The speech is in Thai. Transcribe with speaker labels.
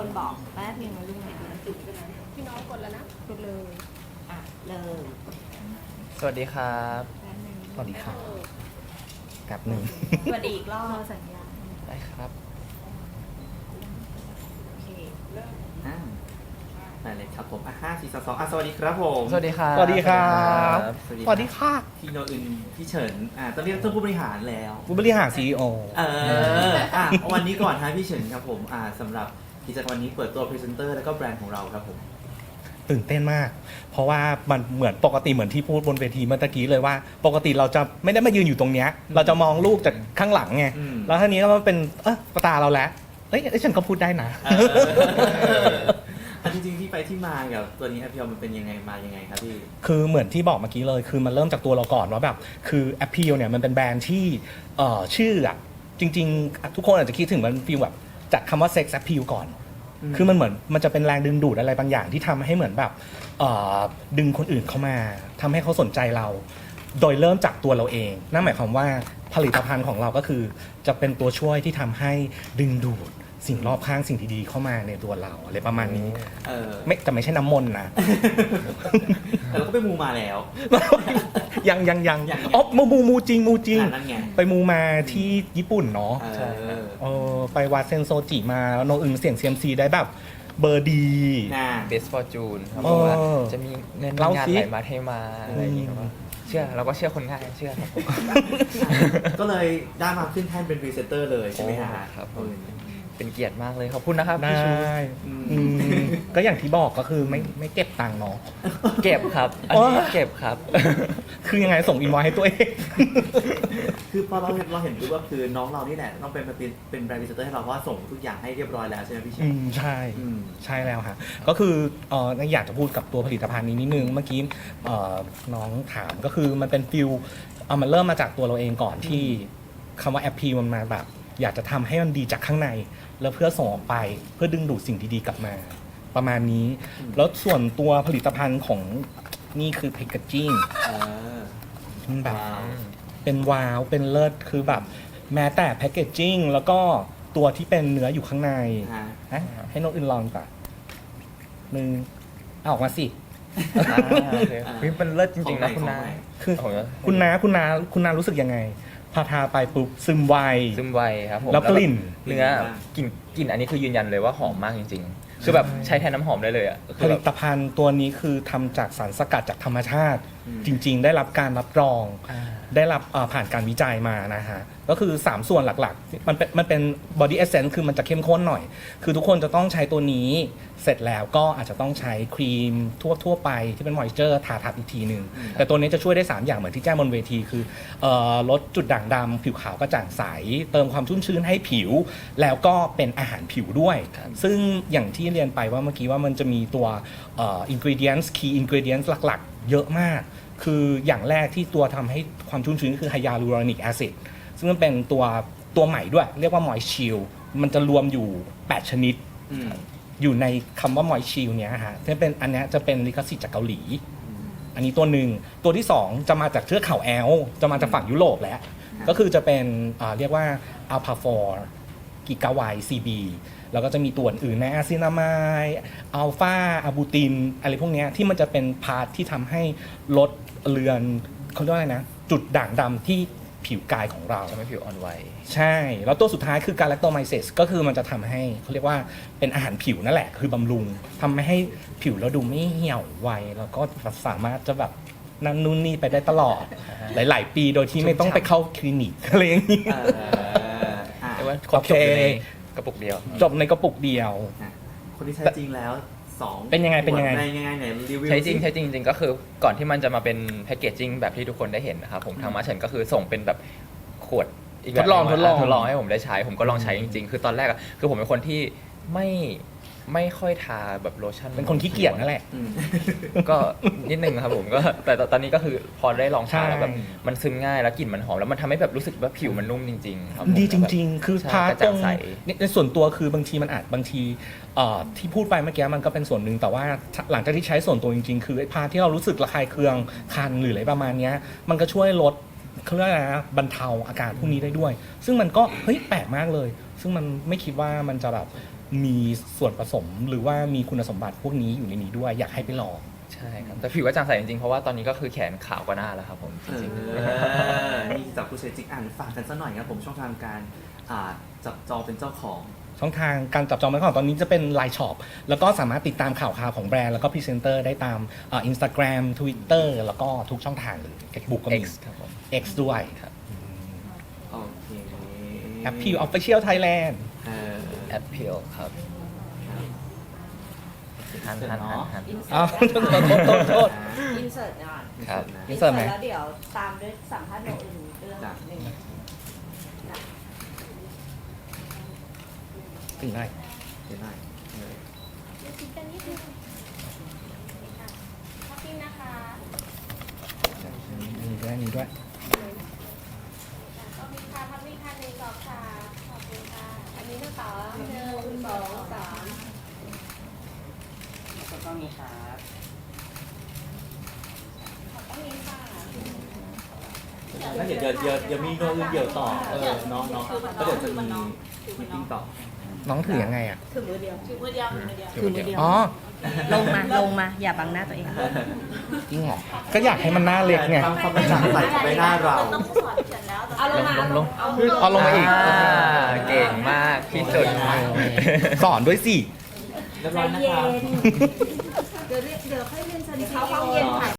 Speaker 1: คนบอกแป๊บนึงนะลูกนะ
Speaker 2: พี่น้องกดแล้วนะ
Speaker 1: กดเลยเลย
Speaker 3: สวัสดีครับ
Speaker 1: แป๊บนึง
Speaker 4: สวัสดีครับกับหนึ่ง
Speaker 1: สวัสดีอีกรอบสัญญาณ
Speaker 3: ได้ครับ
Speaker 1: โอเค
Speaker 5: ได้เลยครับผม5 4 3 2สวัสดีครับผม
Speaker 3: สวัสดีครับ
Speaker 4: สวัสดีครับ
Speaker 5: สวัสดี
Speaker 4: สวัสดีค่ะ
Speaker 5: พี่โนอึนพี่เฉินต้องเรียกท่านผู้บริหารแล้ว
Speaker 4: ผู้บริหาร CEO
Speaker 5: วันนี้ก่อนฮะพี่เฉินครับผมสำหรับกิจกรรมวันนี้เปิดตัวพรีเซนเตอร์แล้วก็แบรนด์ของเราครับผม
Speaker 4: ตื่นเต้นมาก เพราะว่ามันเหมือนปกติเหมือนที่พูดบนเวทีเมื่อตะกี้เลยว่า ปกติเราจะไม่ได้มายืนอยู่ตรงเนี้ยเราจะมองลูกจากข้างหลังไง
Speaker 5: อืม
Speaker 4: แล้วทีนี้มันเป็นตาเราแล้วเอ้ยฉันก็พูดได้นะ
Speaker 5: จริงๆที่ไปที่มากับตัวนี้แอปเปิลมันเป็นยังไงมายังไงครับพี่
Speaker 4: คือเหมือนที่บอกเมื่อกี้เลย คือมันเริ่มจากตัวเราก่อนว่าแบบคือแอปเปิลเนี่ยมันเป็นแบรนด์ที่ชื่ออะจริงๆ ทุกคนอาจจะคิดถึงมันฟีลแบบจากคำว่าเซ็กซ์แอปเปิลก่อน คือมันเหมือนมันจะเป็นแรงดึงดูดอะไรบางอย่างที่ทำให้เหมือนแบบดึงคนอื่นเข้ามาทำให้เขาสนใจเรา โดยเริ่มจากตัวเราเอง นั่นหมายความว่าผลิตภัณฑ์ของเราก็คือจะเป็นตัวช่วยที่ทำให้ดึงดูดสิ่งรอบข้างสิ่งที่ดีเข้ามาในตัวเราอะไรประมาณนี้ไม่แต่ไม่ใช่น้ำมนต์นะ
Speaker 5: แต่เราก็ไปมูมาแล้ว
Speaker 4: ยังอ๋อมูจริง
Speaker 5: นั่นไง
Speaker 4: ไปมูมาที่ญี่ปุ่นเนาะ
Speaker 5: เออ
Speaker 4: ไปวัดเซนโซจิมาแล้วโนอึนเสียง CMC ได้แบบเบอร์ดี
Speaker 3: เบสฟอร์จูนครับเพราะว่าจะมีเงิน
Speaker 4: เล่า
Speaker 3: งาน
Speaker 4: สิ
Speaker 3: ไหลมาเทมาอะไรอย่างเงี้ยครับเชื่อเราก็เชื่อคนง่ายเชื่อครับผม
Speaker 5: ก็เลยได้มาขึ้นแท่นเป็นพรีเซนเตอร์เลยใช่ไหมฮะ
Speaker 3: ครับผมเป็นเกียรติมากเลยขอบคุณนะครับ
Speaker 4: ได้
Speaker 3: พี่ชู
Speaker 4: ก็อย่างที่บอกก็คือไม่เก็บตังค์เนาะ
Speaker 3: เก็บครับอันนี้เก็บครับ
Speaker 4: คือยังไงส่งอินวอยให้ตัวเอง
Speaker 5: คือพอเราเห็นปุ๊บก็คือน้องเรานี่แหละต้องเป็นแบรนด์พรีเซนเตอร์ให้เราเพราะว่าส่งทุกอย่างให้เรียบร้อยแล้วใช่ไหมพี่เช
Speaker 4: อื
Speaker 5: น
Speaker 4: มใช่
Speaker 5: อืม
Speaker 4: ใช่แล้วค่ะก็คืออยากจะพูดกับตัวผลิตภัณฑ์นี้นิดนึงเมื่อกี้น้องถามก็คือมันเป็นฟิลมันเริ่มมาจากตัวเราเองก่อนที่คำว่าแอปพีมันมาแบบอยากจะทำให้มันดีจากข้างใน แล้วเพื่อส่งออกไปเพื่อดึงดูดสิ่งดีๆกลับมา ประมาณนี้ แล้วส่วนตัวผลิตภัณฑ์ของนี่คือแพคเกจจิ้ง
Speaker 5: เออ
Speaker 4: มันแบบ
Speaker 5: ว้าว
Speaker 4: เป็นว้าวเป็นเลิศคือแบบแม้แต่แพคเกจจิ้งแล้วก็ตัวที่เป็นเนื้ออยู่ข้างใน
Speaker 5: ฮะ
Speaker 4: ให้นกอื่นลองก่อนมึงเอาออกมาสิ
Speaker 3: โอเคเป็นเลิศจริงๆนะคุณนา
Speaker 4: คือ
Speaker 3: โอ้โห
Speaker 4: คุณนารู้สึกยังไง พอทาไปปุ๊บซึมไว
Speaker 3: ซึมไวครับผม
Speaker 4: แล้วกลิ่น
Speaker 3: เนื้อกลิ่นอันนี้คือยืนยันเลยว่าหอมมากจริงๆคือแบบใช้แทนน้ำหอมได้เลยอ่ะ
Speaker 4: ผลิตภัณฑ์ตัวนี้คือทำจากสารสกัดจากธรรมชาติ จริงๆ ได้รับการรับรอง ได้รับผ่านการวิจัยมานะฮะ ก็คือ 3 ส่วนหลักๆ มันเป็น body essence คือมันจะเข้มข้นหน่อย คือทุกคนจะต้องใช้ตัวนี้ เสร็จแล้วก็อาจจะต้องใช้ครีมทั่วไปที่เป็น moisture ทาทับอีกทีหนึ่งแต่ตัวนี้จะช่วยได้ 3 อย่างเหมือนที่แจ้งบนเวทีคือลดจุดด่างดำผิวขาวกระจ่างใส เติมความชุ่มชื้นให้ผิว แล้วก็เป็นอาหารผิวด้วย ซึ่งอย่างที่เรียนไปว่าเมื่อกี้ว่ามันจะมีตัวingredients key ingredients หลักๆ เยอะมาก คืออย่างแรกที่ตัวทำให้ความชุ่มชื้นคือไฮยาลูรอนิกแอซิดซึ่งมันเป็นตัวใหม่ด้วย เรียกว่า Moist Shield มันจะรวมอยู่ 8 ชนิด อยู่ในคำว่า Moist Shield เนี้ยฮะที่เป็นอันเนี้ยจะเป็นลิขสิทธิ์จากเกาหลี อันนี้ตัวหนึ่งตัวที่ 2 จะมาจากเทือกเขาแอลป์จะมาจากฝั่งยุโรปแล้ว ก็คือจะเป็นเรียกว่า Alpha 4 กิกาไว CB แล้วก็จะมีตัวอื่นในอะซินามายอัลฟาอะบูตินอะไรพวกนี้ที่มันจะเป็นพาร์ทที่ทำให้ลดเลือนเขาเรียกว่าอะไรนะ จุดด่างดำที่ผิวกายของเรา
Speaker 3: จะไม่ผิวอ่อนไหว
Speaker 4: ใช่ แล้วตัวสุดท้ายคือการแลคโตไมเซสก็คือมันจะทำให้เขาเรียกว่าเป็นอาหารผิวนั่นแหละ คือบำรุงทำให้ผิวเราดูไม่เหี่ยวไว แล้วก็สามารถจะแบบนั่นนู่นนี่ไปได้ตลอด หลาย ๆ ปีโดยที่ไม่ต้องไปเข้าคลินิกอะไรอย่างนี้
Speaker 3: แต่ว่าครบจบอยู่ในกระปุกเดียว
Speaker 4: จบในกระปุกเดียว
Speaker 5: คนที่ใช้จริงแล้ว2
Speaker 4: เป็นยังไง
Speaker 5: ไหนรีวิว
Speaker 3: ใช้จริงจริงก็คือก่อนที่มันจะมาเป็นแพคเกจจิ้งแบบที่ทุกคนได้เห็นนะครับผมทางมาเฉินก็คือส่งเป็นแบบขวดอีกแบบ
Speaker 4: ทดลอง
Speaker 3: ทดลองให้ผมได้ใช้ผมก็ลองใช้จริงๆ คือตอนแรกอะคือผมเป็นคนที่ไม่ค่อยทาแบบโลชั่น
Speaker 4: เป็นคนขี้เกียจนั่นแหละ
Speaker 3: ก็นิดนึงครับผมก็แต่ตอนนี้ก็คือพอได้ลองทาแล้วแบบ
Speaker 4: ใช่
Speaker 3: มันซึมง่ายแล้วกลิ่นมันหอมแล้วมันทำให้แบบรู้สึกว่าผิวมันนุ่มจริงๆครับผม
Speaker 4: ดีจริง ๆ คือ
Speaker 3: ใช่
Speaker 4: พาร์ท
Speaker 3: กระ
Speaker 4: ตร
Speaker 3: จ่าง
Speaker 4: ง
Speaker 3: ใส
Speaker 4: ในส่วนตัวคือบางทีมันอาจบางทีที่พูดไปเมื่อกี้มันก็เป็นส่วนหนึ่งแต่ว่าหลังจากที่ใช้ส่วนตัวจริงๆ คือไอ้พาร์ทที่เรารู้สึกระคายเคืองคันหรืออะไรประมาณเนี้ยมันก็ช่วยลดเขาเรียกอะไรนะบรรเทาอาการพวกนี้ได้ด้วย ซึ่งมันก็เฮ้ยแปลกมากเลย ซึ่งมันไม่คิดว่ามันจะแบบมีส่วนผสมหรือว่ามีคุณสมบัติพวกนี้อยู่ในนี้ด้วยอยากให้ไปลอง
Speaker 3: ใช่ครับแต่ผิวก็จางใสจริงๆเพราะว่าตอนนี้ก็คือแขนขาวกว่าหน้าแล้วครับผมจริง
Speaker 5: นี่จากผู้ใช้จริงฝากกันสักหน่อยครับผมช่องทางการจับจองเป็นเจ้าของ
Speaker 4: ช่องทางการจับจองไว้ก่อนตอนนี้จะเป็น Line Shop แล้วก็สามารถติดตามข่าวของแบรนด์แล้วก็พรีเซนเตอร์ได้ตามInstagram Twitter แล้วก็ทุกช่องทางเลย Facebook ก็
Speaker 3: ๆ
Speaker 4: มี
Speaker 3: X ครับผม
Speaker 4: X ด้วย
Speaker 3: ครับ
Speaker 5: โอเค
Speaker 4: Appeal Official Thailand
Speaker 3: แอปเปิลครับหัน
Speaker 4: อ้าวโทษ
Speaker 1: อินเสิร์ตก่อน
Speaker 3: ครับ
Speaker 4: อินเสิร์ตไหม
Speaker 1: แล้วเดี๋ยวตามด้วยสัมภาษณ์โนอื่นเรื่องหนึ่ง
Speaker 4: ถึงได้
Speaker 5: เห็นได้
Speaker 2: คิดกันนิดนึงขอบคุณนะคะ
Speaker 4: มีด้วย
Speaker 2: ก็มีค่ะพักมีค่ะในกรอบค่ะขอบคุณค่ะ อันนี้นะคะ1 2 3
Speaker 6: แล้วก็มีครับ
Speaker 2: ขอบคุณค่ะ
Speaker 5: แล้วเดี๋ยวมีโน้ตอื่นเดี๋ยวต่อน้องแล้วเดี๋ยวจะมีมีติ้งต่อ
Speaker 4: น้องถือยังไงอ่ะ
Speaker 1: ถือมือเดียว
Speaker 3: ถือมือเดียว
Speaker 4: อ๋อ
Speaker 1: ลงมา อย่าบังหน้าตัวเอง
Speaker 4: จริงเหรอ ก็อยากให้มันหน้าเล็กไง
Speaker 5: ทำความกระจ่างใสกับใบหน้าเรา
Speaker 1: เอาลงมา
Speaker 3: ลง
Speaker 4: เอาลงมาอีก
Speaker 3: เก่งมากที่สุด
Speaker 4: สอนด้วยสิ
Speaker 5: เรียบร้อยนะครับ
Speaker 1: เดี๋ยวค่อยเรียนสนิทเข้าห้องเย็นค่ะ